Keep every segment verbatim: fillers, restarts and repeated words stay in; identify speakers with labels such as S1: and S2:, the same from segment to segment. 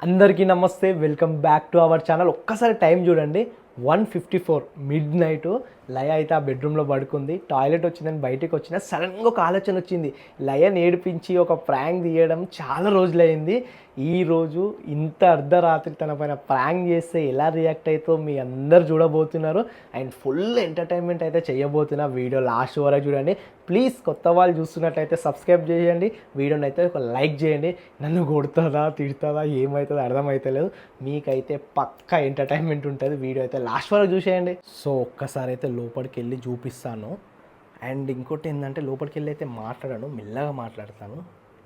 S1: అందరికీ నమస్తే, welcome back to our channel. ఒక్కసారి టైం చూడండి, one fifty four midnight. Laya అయితే ఆ బెడ్రూమ్లో పడుకుంది. టాయిలెట్ వచ్చిందని బయటకు వచ్చిన సడన్గా ఒక ఆలోచన వచ్చింది. లయని ఏడిపించి ఒక ప్రాంక్ తీయడం చాలా రోజులైంది. ఈరోజు ఇంత అర్ధరాత్రి తన పైన ప్రాంక్ చేస్తే ఎలా రియాక్ట్ అవుతుందో మీ అందరు చూడబోతున్నారు. అండ్ ఫుల్ ఎంటర్టైన్మెంట్ అయితే చేయబోతున్నా. వీడియో లాస్ట్ వరకు చూడండి ప్లీజ్. కొత్త వాళ్ళు చూస్తున్నట్లయితే సబ్స్క్రైబ్ చేయండి, వీడియోని అయితే ఒక లైక్ చేయండి. నన్ను కొడుతుందా తిడుతుందా ఏమవుతుందో అర్థమవుతలేదు. మీకైతే పక్కా ఎంటర్టైన్మెంట్ ఉంటుంది. వీడియో అయితే లాస్ట్ వరకు చూసేయండి. సో ఒక్కసారి అయితే లోపలికి వెళ్ళి చూపిస్తాను. అండ్ ఇంకోటి ఏంటంటే లోపలికి వెళ్ళి అయితే మాట్లాడాను, మెల్లగా మాట్లాడతాను.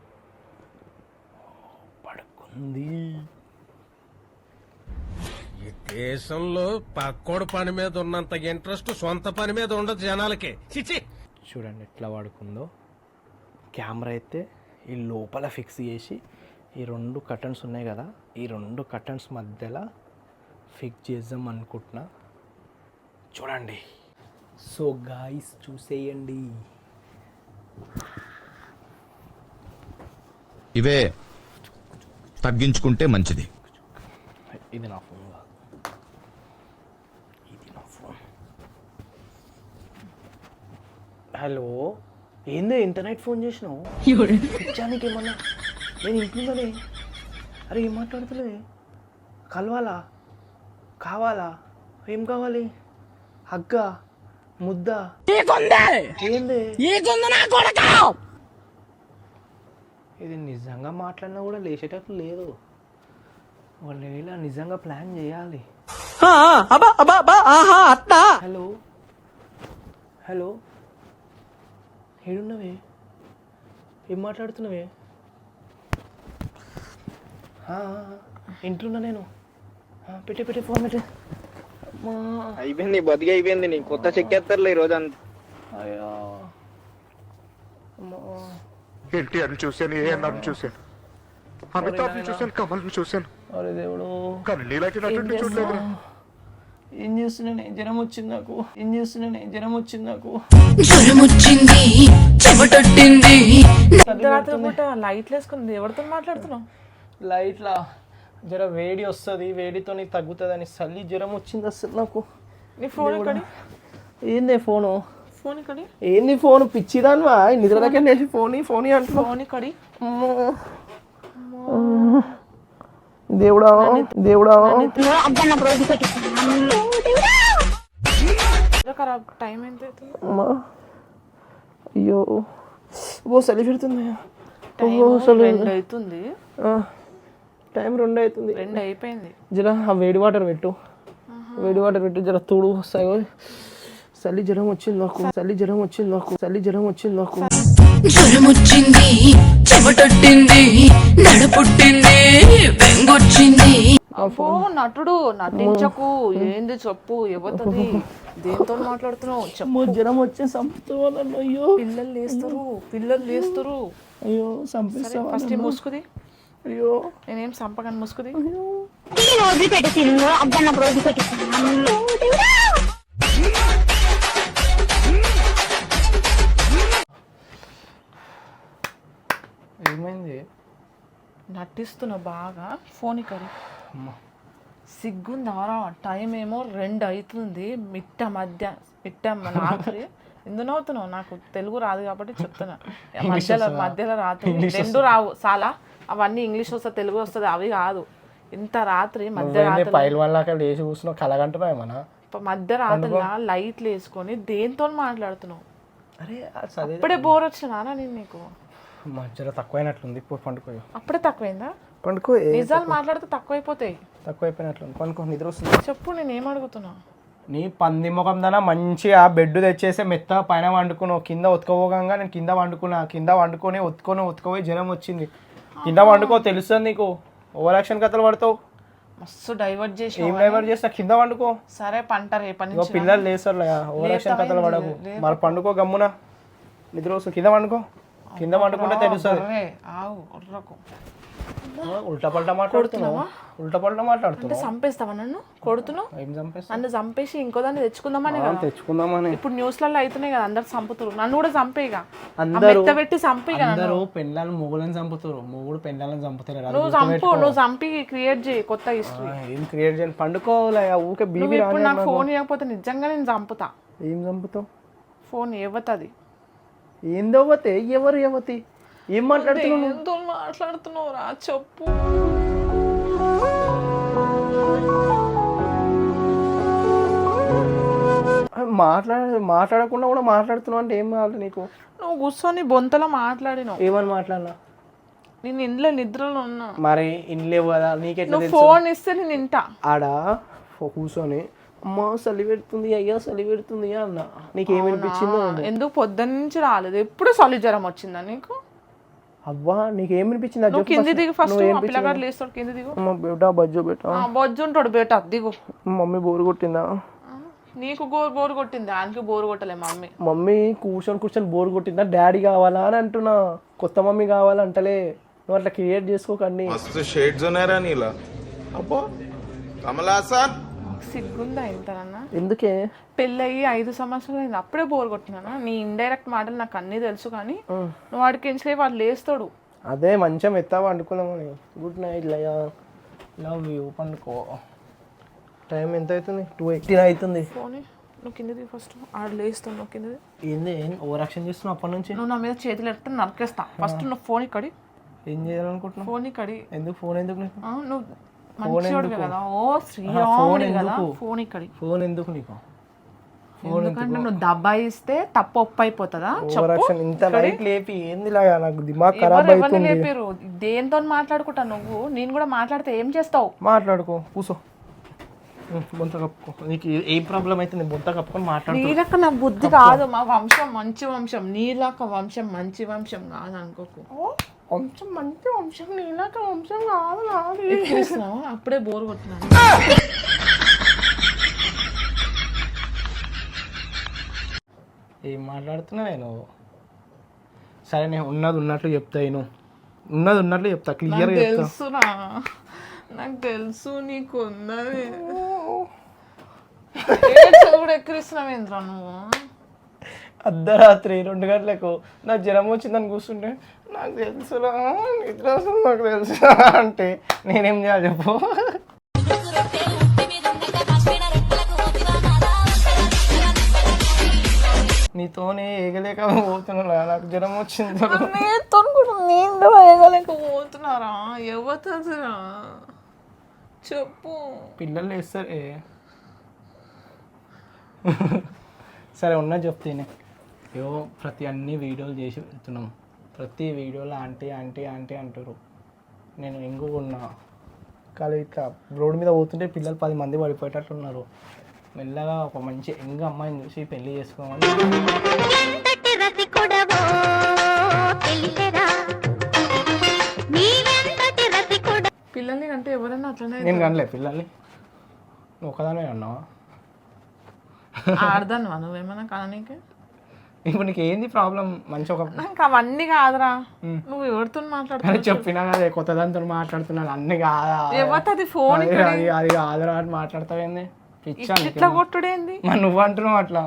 S1: పడుకుంది.
S2: ఈ దేశంలో పక్కోడు పని మీద ఉన్నంత ఇంట్రెస్ట్ సొంత పని మీద ఉండదు జనాలకి. చిచి
S1: చూడండి ఎట్లా పడుకుందో. కెమెరా అయితే ఈ లోపల ఫిక్స్ చేసి ఈ రెండు కర్టన్స్ ఉన్నాయి కదా, ఈ రెండు కర్టన్స్ మధ్యలో ఫిక్స్ చేద్దాం అనుకుంటున్నా. చూడండి. సో గాయ్స్ చూసేయండి.
S3: ఇవే తగ్గించుకుంటే మంచిది.
S1: ఇది నా ఫోన్ కాదు, ఇది నా ఫోన్. హలో, ఏందో ఇంటర్నెట్ ఫోన్ చేసినావు? పిచ్చానికి ఏమన్నా? నేను ఇంట్లోనే. అరే ఏం మాట్లాడుతులే? కలవాలా? కావాలా? ఏం కావాలి? హగ్గ, ముద్ద, ఏంది? ఇది నిజంగా మాట్లాడినా కూడా లేచేటట్లు లేదు. వాళ్ళు ఇలా నిజంగా ప్లాన్ చేయాలి. హలో హలో, ఏడున్నవే? ఏం మాట్లాడుతున్నావే? ఇంట్లోన్నా నేను. పెట్టే పెట్టే ఫోన్ పెట్టే.
S4: అయిపోయింది, బతికి అయిపోయింది. నీ కొత్త చెక్కేస్తారులే ఈ రోజు అంత.
S1: అయ్యా
S5: ఎన్టీఆర్ని చూశాను, ఏఎన్ఆర్ని చూశాను, అమితాబ్ని చూశాను, కమల్ని చూశాను.
S1: అరే దేవుడు,
S5: కానీ నీలాంటి నటుడిని చూడలేదు.
S1: ఏం చేస్తున్నానే? జ్వరం వచ్చింది నాకు. ఏం చేస్తున్నానే? జ్వరం వచ్చింది నాకు.
S6: జ్వరం వచ్చింది, చెమటొట్టింది.
S7: లైట్లు వేసుకుంది. ఎవరితో మాట్లాడుతున్నావు?
S1: లైట్లా జర వేడి వస్తుంది, వేడితో నీకు తగ్గుతుంది అని చల్లి జ్వరం వచ్చింది అసలు నాకు.
S7: నీ ఫోన్ ఎక్కడి?
S1: ఏందే ఫోను?
S7: ఫోన్ ఎక్కడి?
S1: ఏంది ఫోన్? పిచ్చిదాన్వా? నిద్ర దగ్గర లేచి ఫోన్ ఫోన్ అంటున్నావు.
S7: ఫోన్ ఎక్కడి?
S1: దేవుడా దేవుడా.
S7: టైం ఎంత
S1: అమ్మా, అయ్యో ఓ చలి పెడుతుంది.
S7: రెండు అవుతుంది.
S1: టైం రెండు అవుతుంది.
S7: రెండు అయిపోయింది.
S1: జర ఆ వేడి వాటర్ పెట్టు, వేడి వాటర్ పెట్టు, జర తోడు వస్తాయో. చలి జ్వరం వచ్చింది నాకు, చలి జ్వరం వచ్చింది నాకు, చలి జ్వరం వచ్చింది నాకు.
S6: జ్వరం వచ్చింది, చెమటొట్టింది, నడ పుట్టింది, బెంగొచ్చింది.
S7: అబ్బో నటుడు, నటించకు. ఏంది చెప్పు, ఎవరిది? దేంతో మాట్లాడుతున్నావు చెప్పు.
S1: జ్వరం వచ్చే సంపుతాను. అయ్యో
S7: పిల్లలు లేస్తారు, పిల్లలు లేస్తారు.
S1: అయ్యో సంపిస్తా.
S7: ఫస్ట్ ముసుకుది.
S1: అయ్యో
S7: నేనేం సంపగాని ముసుకుది.
S1: ఏమైంది?
S7: నటిస్తున్నా బాగా. ఫోన్ ఇక్కడ సిగ్గుందారా? టైం ఏమో రెండు అవుతుంది. మిట్ట మధ్య మిట్ట రాత్రి. ఎందుకు అవుతున్నావు? నాకు తెలుగు రాదు కాబట్టి చెప్తున్నా. మధ్యలో మధ్యలో రాత్రి రెండు రావు చాలా. అవన్నీ ఇంగ్లీష్ వస్తుంది, తెలుగు వస్తుంది, అవి కాదు. ఇంత రాత్రి మధ్యరాత్రి
S1: లేచి కూర్చున్నావు, కలగంటున్నావు ఏమన్నా?
S7: మధ్యరాత్రిలా లైట్లు వేసుకొని దేంతో మాట్లాడుతున్నావు?
S1: అరే
S7: అప్పుడే బోర్ వచ్చినా నేను నీకు?
S1: మధ్యలో తక్కువైనట్లుంది. ఇప్పుడు పండుకోయో.
S7: అప్పుడే తక్కువైందా?
S1: పండుకో.
S7: నిజాలు మాట్లాడితే తక్కువైపోతాయి.
S1: తక్కువైపోయినట్లుంది. పండుకో, నిద్ర వస్తుంది.
S7: చెప్పు, నేనేం అడుగుతున్నా?
S1: నీ పంది ముఖం దానా మంచిగా బెడ్ తెచ్చేసి మెత్త పైన వండుకున్నావు. కింద ఉతకపోగా నేను కింద వండుకున్నా. కింద వండుకొని ఉతుకొని ఉతుకపోయి జ్వరం వచ్చింది. కింద వండుకో, తెలుస్తుంది నీకు. ఓవర్ యాక్షన్ కథలు పడతావు.
S7: మస్తు డైవర్ట్ చేసి.
S1: ఏం డైవర్ట్ చేస్తా? కింద వండుకో.
S7: సరే పంట రేపటి నుంచి.
S1: పిల్లలు లేస్తారు, ఓవర్ యాక్షన్ కథలు పడకు. మరి పండుకో గమ్మున, నిద్ర వస్తుంది. కింద వండుకో. కింద వండుకుంటే తెలుస్తుంది.
S7: ఆవు
S1: ఉల్టా పల్టా మాట్లాడుతున్నావా ఉల్టా పల్టా
S7: అంటే
S1: మాట్లాడుతున్నావు
S7: చంపేస్తావా నన్ను కొడుతున్నావు
S1: ఏం చంపేస్తా
S7: నన్ను చంపేసి ఇంకో దాన్ని తెచ్చుకుందామని కదా
S1: తెచ్చుకుందామని
S7: ఇప్పుడు న్యూస్లలో అవుతున్నాయి కదా అందరు చంపుతారు నన్ను కూడా చంపేగా
S1: అందరూ
S7: మెత్త పెట్టి చంపేగా
S1: అందరూ పెళ్ళాలను మొగులను చంపుతారు మొగుడు పెళ్ళాలను చంపుతారు అది
S7: నువ్వు చంపు నువ్వు చంపి క్రియేట్ చేయి కొత్త హిస్టరీ
S1: ఆ, ఏం క్రియేట్ చేయాలి పండుకోవాలి ఊకే
S7: నువ్వు
S1: బీబీ
S7: ఇప్పుడు
S1: రాని
S7: నాకు ఫోన్ ఇవ్వకపోతే నిజంగా నేను చంపుతా
S1: ఏం చంపుతావు
S7: ఫోన్ ఇవ్వతుంది
S1: ఏందవ్వతే ఎవరు ఎవతి ఏం మాట్లాడుతున్నావు నువ్వు?
S7: ఎంతో మాట్లాడుతున్నావు రా చెప్పు
S1: మాట్లాడ మాట్లాడకుండా కూడా మాట్లాడుతున్నావు అంటే ఏం కావాలి నీకు
S7: నువ్వు కూర్చొని బొంతలో మాట్లాడినావు
S1: ఏమని మాట్లాడినా
S7: నేను ఇంట్లో నిద్రలో ఉన్నా
S1: మరి ఇన్లేవు కదా నీకెట్లా
S7: నువ్వు
S1: తెలుసు
S7: ఫోన్ ఇస్తే నేను ఇంటా
S1: ఆడ ఫో- కూర్చొని అమ్మ చలి పెడుతుంది అయ్యా చలి పెడుతుంది అన్న నీకేమనిపించిందో
S7: ఎందుకు పొద్దున్న నుంచి రాలేదు ఎప్పుడు చలి జ్వరం వచ్చిందా నీకు
S1: అవ్వా నీకేమనిపించింది అది
S7: నువ్వు
S1: చెప్పు
S7: కింది
S1: first.
S7: దిగు ఫస్ట్
S1: నువ్వు ఏం
S7: ఆ పిల్లగాడు లేస్తాడు కింది దిగు
S1: అమ్మ బేటా బజ్జో బేటా
S7: ఆ, బొజ్జు ఉంటాడు బేట దిగు
S1: మమ్మీ బోరు కొట్టిందా
S7: ఆ, నీకు గోరు బోరు కొట్టింది ఆయనకి బోరు కొట్టలే మమ్మీ
S1: మమ్మీ కూర్చొని కూర్చొని బోర్ కొట్టిందా డాడీ కావాలా అని అంటున్నా కొత్త మమ్మీ కావాలా అంటలే నువ్వు అట్లా క్రియేట్ చేసుకోకండి
S3: मस्त शेड्स ఉన్నారా నీలా అబ్బో కమలాసన్
S7: సిగ్గుందా ఇంతనన్నా
S1: ఎందుకే
S7: పెళ్ళయి ఐదు సంవత్సరాలు అయింది అప్పుడే బోర్ కొట్టినా నీ ఇండైరెక్ట్ మాటలు నాకు అన్నీ తెలుసు కానీ నువ్వు వాడికి ఎంచలే వాడు లేస్తాడు
S1: అదే మంచం ఎత్తా పండుకుందామని good night Laya love you పండుకో టైం ఎంత అవుతుంది టూ ఎయిటీన్ అవుతుంది
S7: ఫోన్ నువ్వు కింద దిగు ఫస్ట్ ఆడు లేస్తాడు నువ్వు కింద దిగు.
S1: ఏంది ఓవర్ యాక్షన్ చేస్తున్నావు అప్పటి నుంచి
S7: నువ్వు నా మీద చేతులు ఎడితే నరికేస్తా ఫస్ట్ నువ్వు ఫోన్ ఇక్కడి
S1: ఏం చేయాలనుకుంటున్నావు
S7: ఫోన్ ఇక్కడి
S1: ఎందుకు ఫోన్ ఎందుకు నీకు
S7: ఆ, నువ్వు మంచివాడివి కదా ఓ
S1: ఫోన్
S7: శ్రీరాముడి కదా
S1: ఎందుకు?
S7: ఫోన్ ఇక్కడి
S1: ఫోన్ ఎందుకు నీకు
S7: ఎందుకంటే నువ్వు దబ్బాయిస్తే తప్పు ఒప్పు అయిపోతుందా
S1: ఓవర్ యాక్షన్ ఇంత నైట్ లేపి ఏంది లాగా నాకు దిమాగ్ ఖరాబ్
S7: ఎవరు ఎవరిని
S1: అవుతుంది
S7: లేపారు దేంతో మాట్లాడుకుంటా నువ్వు నేను కూడా మాట్లాడితే ఏం చేస్తావు
S1: మాట్లాడుకో కూసో ఉం, బొంత కప్పుకో నీకు ఏ- ఏ ప్రాబ్లం అయితే నేను బొంత కప్పుకొని మాట్లాడుకో
S7: నీలక నా బుద్ధి కాదు మా వంశం మంచి వంశం నీలాక వంశం మంచి వంశం కాదు అనుకోకు
S1: వంశం మంచి వంశం నీలాక వంశం కాదు నాది
S7: ఎక్కిరిస్తున్నావా? అప్పుడే బోర్ కొట్టినాను
S1: ఏం మాట్లాడుతున్నావే నువ్వు సరే నేను ఉన్నది ఉన్నట్లు చెప్తా నేను ఉన్నది ఉన్నట్లు చెప్తా క్లియర్గా చెప్తా
S7: తెలుసురా నాకు తెలుసు నీకు ఉన్నది కూడా ఎక్కిరిస్తున్నావేంద్రా నువ్వు
S1: అర్ధరాత్రి రెండు గంటలకు నా జ్వరం వచ్చిందని కూర్చుంటే నాకు తెలుసురా నిద్ర వస్తుంది నాకు తెలుసు అంటే నేనేం చేయాలి చెప్పు నీతోనే ఏగలేక పోతున్నా నాకు జ్వరం వచ్చింది
S7: నేతో కూడా నేను వేయగలేకపోతున్నారా ఎవతదిరా చెప్పు
S1: పిల్లలు వేస్తారే సరే ఉన్నా చెప్తేనే ఏవో ప్రతి అన్ని వీడియోలు చేసి పెడుతున్నాం ప్రతి వీడియోలో ఆంటీ ఆంటీ ఆంటీ అంటారు నేను ఎంగు ఉన్నా కానీ ఇట్లా రోడ్డు మీద పోతుంటే పిల్లలు పది మంది పడిపోయేటట్లు ఉన్నారు మెల్లగా ఒక మంచి ఎంగ అమ్మాయిని చూసి పెళ్లి చేసుకోమని
S8: ఎంతటి రసికుడవో తెలియరా నీవెంతటి రసికుడ
S7: పిల్లల్ని అంటే ఎవరైనా అట్లనే
S1: నేను కనలే పిల్లల్ని నువ్వు ఒకదానే అన్నావా
S7: ఆడదాను నువ్వేమన్నా కననీకి
S1: ఇప్పుడు నీకు ఏంది ప్రాబ్లం మంచి ఒక
S7: నాకు అవన్నీ కాదురా నువ్వు ఎవరితో
S1: అని
S7: మాట్లాడుతున్నావు
S1: చెప్పినా కదా కొత్త దాంతో మాట్లాడుతున్నాను అన్ని కాదా
S7: ఎవరిది ఫోన్
S1: అది అది అది కాదురా అని మాట్లాడతావేంది పిచ్చా నీకు?
S7: ఇట్లా కొట్టుడేంది
S1: మరి నువ్వు అంటున్నావు అట్లా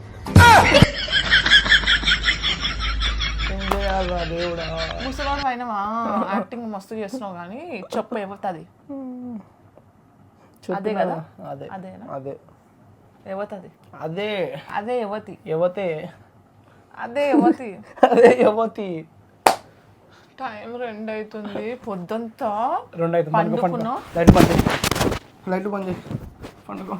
S1: ఏం చేయాలిరా దేవుడా
S7: ముసలాడు అయినవా యాక్టింగ్ మస్తు చేస్తున్నావు కానీ చెప్పు ఎవరిది
S1: చెప్పు
S7: అదే కదా?
S1: అదే
S7: అదేనా
S1: అదే
S7: ఎవరిది
S1: అదే
S7: అదే యువతి
S1: యువతే
S7: అదే యువతి
S1: అదే యువతి
S7: టైం రెండు అవుతుంది పొద్దుంతా
S1: రెండు అయితే పండుగ పండుగ
S7: పండుకున్నావు?
S1: లైట్ బంద్ చేయి లైట్ బంద్ చేయి పండుగ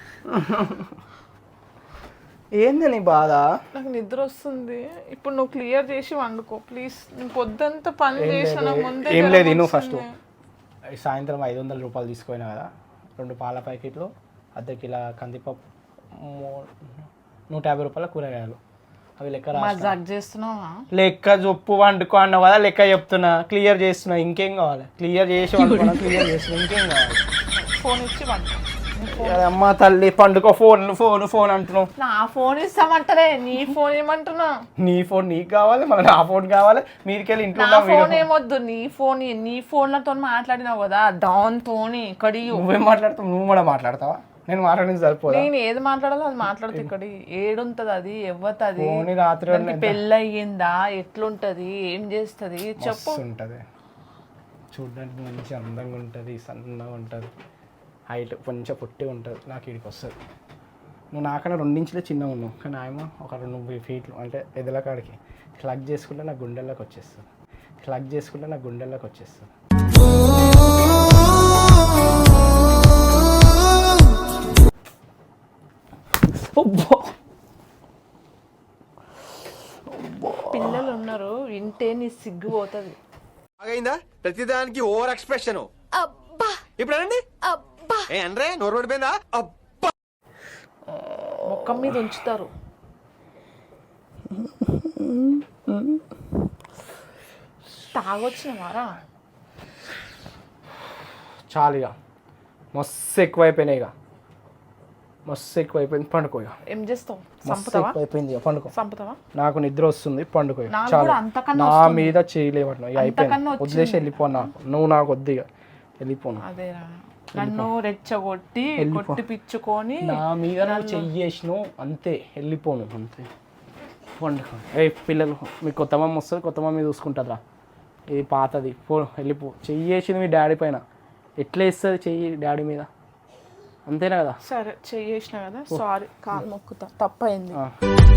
S1: ఏంది నీ బాధ
S7: నాకు నిద్ర వస్తుంది ఇప్పుడు నువ్వు క్లియర్ చేసి వండుకో ప్లీజ్ నేను పొద్దుంతా పని చేసిన నాకు ముందే
S1: ఏం
S7: జ్వరం
S1: లేదు నువ్వు ఫస్ట్
S7: వచ్చింది.
S1: సాయంత్రం ఐదు వందల రూపాయలు తీసుకుపోయినా కదా రెండు పాల ప్యాకెట్లు అర్ధ కిలో కందిపప్పు మూ- నూట యాభై రూపాయల కూరగాయలు అవి లెక్క రా
S7: మజాక్ చేస్తున్నావా
S1: లెక్క చొప్పు వండుకో అన్నావు కదా లెక్క చెప్తున్నా క్లియర్ చేస్తున్నా ఇంకేం కావాలి క్లియర్ చేసి వండుకున్నా క్లియర్ చేస్తున్నా ఇంకేం కావాలి
S7: ఫోన్ ఇచ్చి వండుకో
S1: అమ్మ తల్లి పండుకో ఫోన్ ఫోన్ ఫోన్ అంటున్నావు.
S7: నా ఫోన్ ఇస్తామంటలే, నీ ఫోన్ ఏమంటున్నా?
S1: నీ ఫోన్ నీకు కావాలి, మళ్ళీ నా ఫోన్ కావాలి. మీరికెళ్ళి ఇంట్లో
S7: నా ఫోన్ ఏమొద్దు, నీ ఫోన్ నీ ఫోన్లతో మాట్లాడినావు కదా దాంతో ఇక్కడి.
S1: నువ్వేం మాట్లాడతావు? నువ్వు కూడా మాట్లాడతావా? నేను మాట్లాడింది సరిపోదా?
S7: నేను ఏది మాట్లాడాలో అది మాట్లాడుతా. ఇక్కడ ఏడుంటది, అది ఎవ్వతది,
S1: ఫోన్ రాత్రి
S7: పెళ్ళి అయ్యిందా, ఎట్లుంటది, ఏం చేస్తుంది చెప్పు.
S1: ఉంటది చూడడానికి మంచి అందంగా ఉంటుంది, సన్నగా ఉంటుంది, హైట్ కొంచెం పొట్టి ఉంటుంది. నాకు ఇడికి వస్తుంది. నువ్వు నాకన్నా రెండించులే చిన్నగా ఉన్నావు, కానీ ఆయన ఒక రెండు ఫీట్లు అంటే ఎదల కాడికి క్లగ్ చేసుకుంటే నా గుండెల్లోకి వచ్చేస్తుంది. క్లగ్ చేసుకుంటే నా గుండెల్లోకి వచ్చేస్తుంది.
S7: పిల్లలు ఉన్నారు, వింటే నీ సిగ్గు పోతుంది.
S2: బాగైందా? ప్రతిదానికి ఓవర్ ఎక్స్ప్రెషన్. ఇప్పుడు అనండి. ఏ అనరే నోరు పడిపోయిందా?
S7: ముఖం మీద ఉంచుతారు. తాగొచ్చినవారా?
S1: చాలు ఇక మస్తు ఎక్కువైపోయినాయి. ఇక మస్తు ఎక్కువైపోయింది. పండుకో. ఇక
S7: ఏం చేస్తావు?
S1: మస్తు
S7: సంపుతావా?
S1: ఎక్కువైపోయింది. ఇక పండుకో.
S7: సంపుతావా?
S1: నాకు నిద్ర వస్తుంది. పండుకో. ఇక
S7: నాకు
S1: చాలు.
S7: కూడా అంతకన్నా
S1: నా
S7: వస్తుంది.
S1: మీద చేయలేవట్లేదు. ఇక అయిపోయింది.
S7: అంతకన్నా వచ్చింది.
S1: వదిలేసి వెళ్ళిపో. నాకు నువ్వు నాకు వద్దు. ఇక వెళ్ళిపోను.
S7: అదేరా, నన్ను రెచ్చగొట్టి కొట్టి పిచ్చుకొని
S1: నా మీద నువ్వు చెయ్యేసినావు అంతే. వెళ్ళిపోను అంతే. పండుకో. ఏ పిల్లలు, మీ కొత్త మమ్మ వస్తుంది, కొత్త మమ్మీ చూసుకుంటుందిరా. ఇది పాతది. పో వెళ్ళిపో. చెయ్యేసింది మీ డాడీ పైన. ఎట్లా ఇస్తుంది చెయ్యి డాడీ మీద? అంతేనా కదా?
S7: సరే చెయ్యేసిన కదా, సారీ, కాలు మొక్కుతా, తప్పైంది.
S1: ఆ.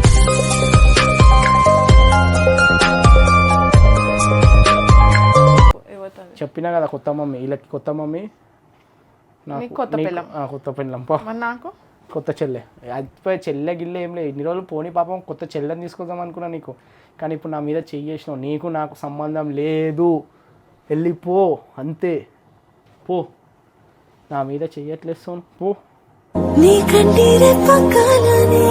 S7: ఎవరితోని?
S1: చెప్పినా కదా కొత్త మమ్మీ. వీళ్ళకి కొత్త మమ్మీ, నాకు
S7: నీకు కొత్త
S1: నీకు-
S7: పిల్లం.
S1: ఆ, కొత్త పిల్లం. పో.
S7: మరి నాకు
S1: కొత్త చెల్లె. అది చెల్లె గిల్లె ఏం లేదు. ఇన్ని రోజులు పోనీ పాపం కొత్త చెల్లెని తీసుకొద్దాం అనుకున్నా నీకు. కానీ ఇప్పుడు నా మీద చెయ్యేసినావు. నీకు నాకు సంబంధం లేదు. వెళ్ళిపో అంతే. పో. నా మీద చెయ్యట్లేస్తాను. పో.
S6: నీ కంటిరే పక్కలనే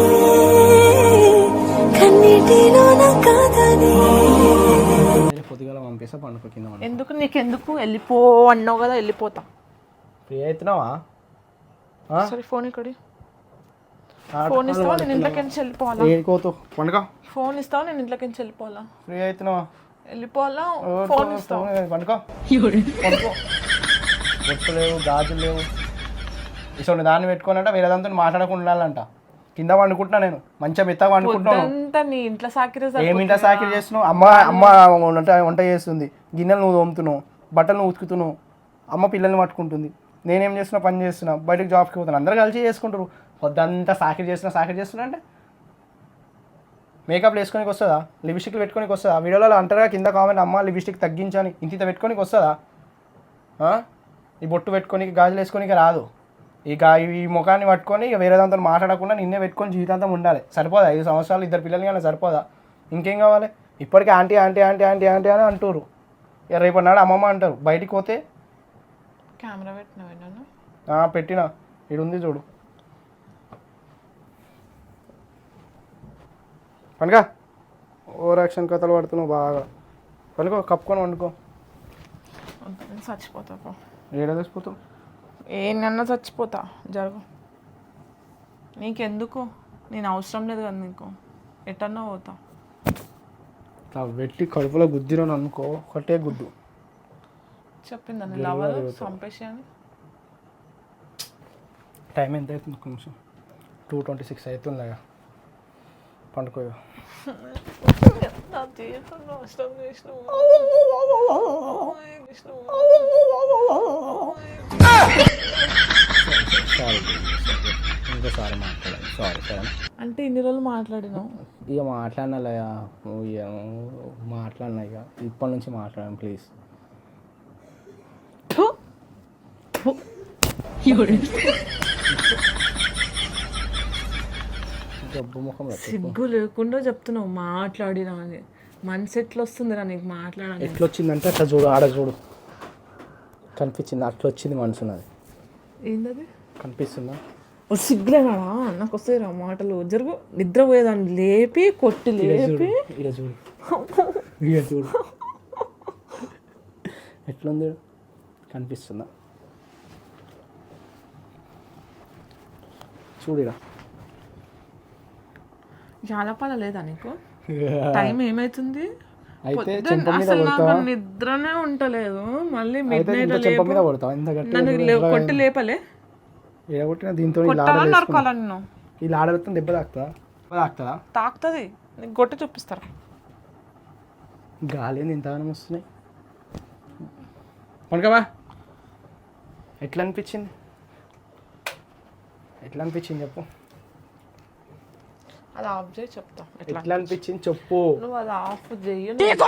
S6: కన్నీటిలో నా కాదని
S1: పొద్దుగాల పంపిస్తా. పండుకో కింద పండుకో.
S7: ఎందుకు నీకెందుకు? వెళ్ళిపో అన్నావు కదా, వెళ్ళిపోతా.
S1: ఫ్రీ అవుతున్నావా?
S7: సరే ఫోన్ ఇక్కడి. ఫోన్ ఇస్తావా? నేను ఇంట్లోకి నుంచి వెళ్ళిపోవాలా?
S1: ఏడుకోతు. పండుగ.
S7: ఫోన్ ఇస్తావా? నేను ఇంట్లోకి నుంచి వెళ్ళిపోవాలా?
S1: ఫ్రీ అవుతున్నావా?
S7: వెళ్ళిపోవాలా? ఫోన్ ఇస్తావా?
S1: పండుకో. పండుకో. బొట్టు లేవు, గాజులు లేవు. ఇటువంటి దాన్ని పెట్టుకోనంట వేరే దాంతో మాట్లాడకుండా ఉండాలంట. కింద వండుకుంటున్నా నేను. మంచిగా మెత్తగా వండుకుంటున్నాను.
S7: పొద్దంతా నీ ఇంట్లో సాకిరే
S1: ఏమింటా సాకిరి చేస్తున్నావు? అమ్మ అమ్మ వంట వంట చేస్తుంది. గిన్నెలు నువ్వు తోముతున్నావు, బట్టలు నువ్వు ఉతుకుతున్నావు, అమ్మ పిల్లల్ని పట్టుకుంటుంది. నేనేం చేస్తున్నా? పని చేస్తున్నా, బయటకు జాబ్కి పోతాను. అందరూ కలిసి చేసుకుంటారు. పొద్దంతా సాకిరి చేస్తున్నా సాకిరి చేస్తున్నా అంటే మేకప్ వేసుకోనికి వస్తుందా? లిప్స్టిక్లు పెట్టుకోనికి వస్తుందా? వీడియోలో అంటారా కింద కామెంట్, అమ్మ లిప్స్టిక్ తగ్గించని. ఇంత ఇంత పెట్టుకోనికి వస్తుందా? ఈ బొట్టు పెట్టుకొని గాజులు వేసుకోనికి రాదు. ఇక ఈ ముఖాన్ని పట్టుకొని ఇక వేరే దాంతో మాట్లాడకుండా నిన్నే పెట్టుకొని జీవితాంతం ఉండాలి. సరిపోదా? ఐదు సంవత్సరాలు ఇద్దరు పిల్లలు కానీ సరిపోదా? ఇంకేం కావాలి? ఇప్పటికీ aunty aunty aunty aunty aunty అని అంటారు. ఇక రేపు నాడు అమ్మమ్మ అంటారు. బయటికి పోతే
S7: కెమెరా పెట్టినావు నన్ను?
S1: పెట్టినా. ఇది ఉంది చూడు. పండుగ. ఓవర్ యాక్షన్ కథలు పడుతున్నావు బాగా. పనుకో, కప్పుకొని వండుకో.
S7: నేను చచ్చిపోతా. పో.
S1: ఏడా తెచ్చిపోతావు?
S7: ఏనన్నా చచ్చిపోతా. జరుగు. నీకెందుకు? నేను అవసరం లేదు కదా నీకు. ఎటన్నా పోతా.
S1: ఇట్లా పెట్టి కడుపులో గుద్దిరో అనుకో, ఒకటే గుద్దు.
S7: చెప్పిందా నీ లవర్ చంపేసి అని?
S1: టైం ఎంత అవుతుంది? కొంచెం టూ ట్వంటీ సిక్స్ అవుతుంది. పండుకో.
S7: నా జీవితం నాశనం చేసినావు.
S1: సారీ, ఇంకోసారి మాట్లాడాలి. సారీ సరే.
S7: అంటే ఇన్ని రోజులు మాట్లాడినావు.
S1: ఇక మాట్లాడినాలయ్యా. ఇక మాట్లాడినా. ఇక ఇప్పటి నుంచి మాట్లాడాను ప్లీజ్. జబ్బు ముఖం.
S7: సిగ్గు లేకుండా చెప్తున్నావు మాట్లాడినా అని. మనసు ఎట్లా వస్తుందిరా నీకు మాట్లాడాలి?
S1: ఎట్లా వచ్చిందంటే అట్లా చూడు. ఆడ చూడు. కనిపించింది. అట్లా వచ్చింది మనసు నాది.
S7: ఏంటది?
S1: కనిపిస్తుందా?
S7: సిగ్గులేనా? నాకు వస్తాయిరా మాటలు. జరుగు. నిద్రపోయేదాన్ని లేపి కొట్టి లేపి
S1: ఇక చూడు. ఇక చూడు ఎట్లుంది? కనిపిస్తుందా? చూడిరా.
S7: జాలపాల లేదా నీకు? టైం ఏమైతుంది?
S1: అయితే
S7: పొద్దున్న
S1: చెంప మీద
S7: అసలు నాకు
S1: కొడతావా?
S7: నిద్రనే ఉంటలేదు. మళ్ళీ
S1: అయితే
S7: మిడ్
S1: ఇంత
S7: నైట్
S1: చెంప మీద కొడతావా? ఇంత గట్టిగా
S7: నన్ను
S1: చూడు
S7: లే-
S1: ఎట్లా
S7: కొట్టి లేపలే,
S1: ఎడగొట్టిన దీంతో
S7: కొట్టాలా నరకాలా నిన్ను?
S1: ఈ లాడలతో దెబ్బ తాకుతా దెబ్బ తాకుతుందా?
S7: తాకుతుంది, నీకు కొట్టి చూపిస్తారా?
S1: గాలి ఏంది ఇంతగానం వస్తున్నాయి? పనుకోవా. ఎట్లా అనిపించింది? ఎట్లా అనిపించింది చెప్పు.
S7: అది ఆఫ్ చేయి చెప్తా ఎట్లా.
S1: ఎట్లా అనిపించింది చెప్పు.
S7: నువ్వు అది ఆఫ్ చెయ్యి.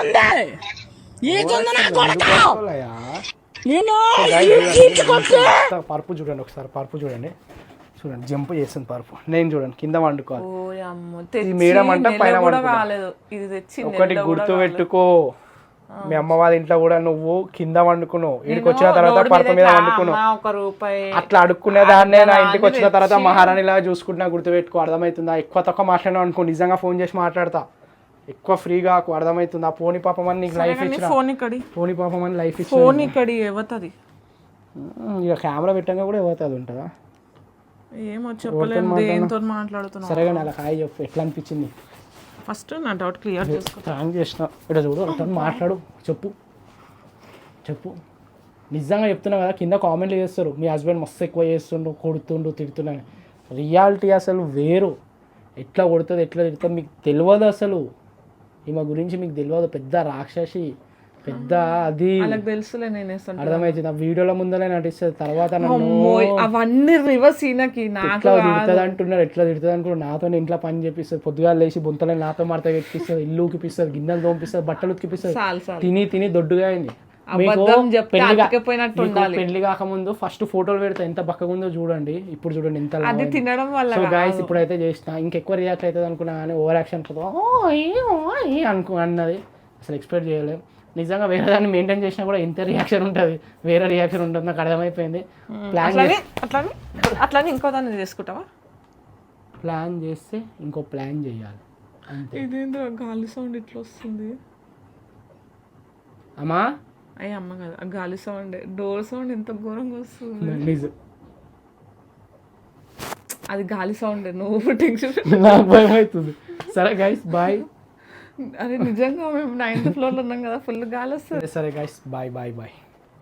S1: పరుపు చూడండి ఒకసారి, పరుపు చూడండి, చూడండి జంప్ చేస్తుంది పరుపు. నేను చూడండి కింద వండుకోవాలి.
S7: ఓ అమ్మో,
S1: ఈ
S7: తెచ్చి
S1: మేడం అంట
S7: నెల
S1: పైన
S7: కూడా
S1: వండుకుంటా.
S7: కాలేదు. ఇది తెచ్చి
S1: ఒకటి
S7: నెల కూడా
S1: గుర్తు
S7: కాలేదు.
S1: పెట్టుకో, మీ అమ్మ వాళ్ళ ఇంట్లో కూడా నువ్వు కింద వండుకున్నావు, ఇక్కడికి వచ్చిన
S7: నేను
S1: తర్వాత
S7: రోడ్డు
S1: పరుపు మీద
S7: ఇట్లా
S1: వండుకున్నావు.
S7: అమ్మ ఒక రూపాయి
S1: అట్లా అడుక్కునే దాన్నే నా ఇంటికి వచ్చిన
S7: తెచ్చి-
S1: తర్వాత మహారాణిలా చూసుకుంటున్నా, గుర్తుపెట్టుకో. అర్థమవుతుందా? ఎక్కువ తక్కువ మాట్లాడినావు అనుకో నిజంగా ఫోన్ చేసి మాట్లాడతా. ఎక్కువ ఫ్రీగా అర్థమవుతుందా? పోనీ పాపం అని నీకు లైఫ్ ఇచ్చిన,
S7: ఫోన్ ఇక్కడి
S1: పోనీ పాపం అని లైఫ్ ఇచ్చిన.
S7: ఫోన్ ఇక్కడి ఎవతది
S1: ఇక కెమెరా పెట్టంగా కూడా ఇవ్వతుంది అది ఉంటుందా?
S7: ఏమో చెప్పలేదు, దేంతో మాట్లాడుతున్నావు.
S1: సరే కానీ అలా హాయ్ చెప్పు, ఎట్లా అనిపించింది?
S7: ఫస్ట్ నా డౌట్ క్లియర్ చేసుకో.
S1: థ్యాంక్ చేసిన. ఇక్కడ చూడు, అట్లా మాట్లాడు, చెప్పు చెప్పు. నిజంగా చెప్తున్నా కదా, కింద కామెంట్లు చేస్తారు మీ హస్బెండ్ మస్తు ఎక్కువ చేస్తుండు, కొడుతుండు, తిడుతున్నాను. రియాలిటీ అసలు వేరు. ఎట్లా కొడుతుంది, ఎట్లా తిడుతుంది మీకు తెలియదు అసలు. ఈమె గురించి మీకు తెలియదు. పెద్ద రాక్షసి, పెద్ద అది
S7: వాళ్ళకి తెలుసులే నేను వేస్తాను.
S1: అర్థమవుతుంది. ఆ వీడియోల ముందరే నటిస్తుంది, తర్వాత నన్ను
S7: అమ్మోయ్, అవన్నీ రివర్స్ సీనకి నాకు
S1: ఎట్లా తిడుతుంది అంటున్నారు, ఎట్లా తిడుతుంది అనుకున్నారు. నాతో ఇంట్లో పని చేపిస్తుంది, పొద్దుగా లేచి బొంతలని నాతో మడత పెట్టిస్తుంది, ఇల్లు ఉకిపిస్తుంది, గిన్నెలు తోమిపిస్తుంది, బట్టలు ఉతికిపిస్తుంది.
S7: చాలు చాలు.
S1: తిని తిని దొడ్డుగా అయింది.
S7: అబద్ధం చెప్తే అతికిపోయినట్టు ఉండాలి.
S1: పెళ్లి కాకముందు ఫస్ట్ ఫోటోలు పెడితే ఎంత బక్కగా ఉందో చూడండి, ఇప్పుడు చూడండి ఎంత లావు
S7: అది
S1: అయింది.
S7: తినడం వల్ల
S1: సో
S7: కాదు.
S1: గాయస్ ఇప్పుడైతే చేసిన, ఇంకెక్కువ రియాక్ట్ అవుతుంది అనుకున్నా కానీ ఓవర్ యాక్షన్ అనుకో అన్నది అసలు ఎక్స్పెక్ట్ చేయలేము. నిజంగా వేరే దాన్ని మెయింటైన్ చేసినా కూడా ఇంత రియాక్షన్ ఉంటుంది, వేరే రియాక్షన్ ఉంటుంది. నాకు అర్థమైపోయింది. ప్లాన్
S7: అట్లని అట్లని అట్లని ఇంకో దాన్ని చేసుకుంటావా?
S1: ప్లాన్ చేస్తే ఇంకో ప్లాన్ చేయాలి అంతే.
S7: ఇదేంద్ర గాలి సౌండ్ ఇట్లా వస్తుంది?
S1: అమ్మా
S7: అయ్యి అమ్మ కదా, ఆ గాలి సౌండ్, డోర్ సౌండ్ ఎంత ఘోరంగా వస్తుంది.
S1: నిజం,
S7: అది గాలి సౌండ్, నువ్వు టెన్షన్.
S1: నాకు భయం అవుతుంది. సరే గైస్ బాయ్.
S7: అరే నిజంగా మేము నైన్త్ ఫ్లోర్లో ఉన్నాం కదా, ఫుల్ గాలి వస్తుంది.
S1: సరే గైస్ బాయ్ బాయ్ బాయ్.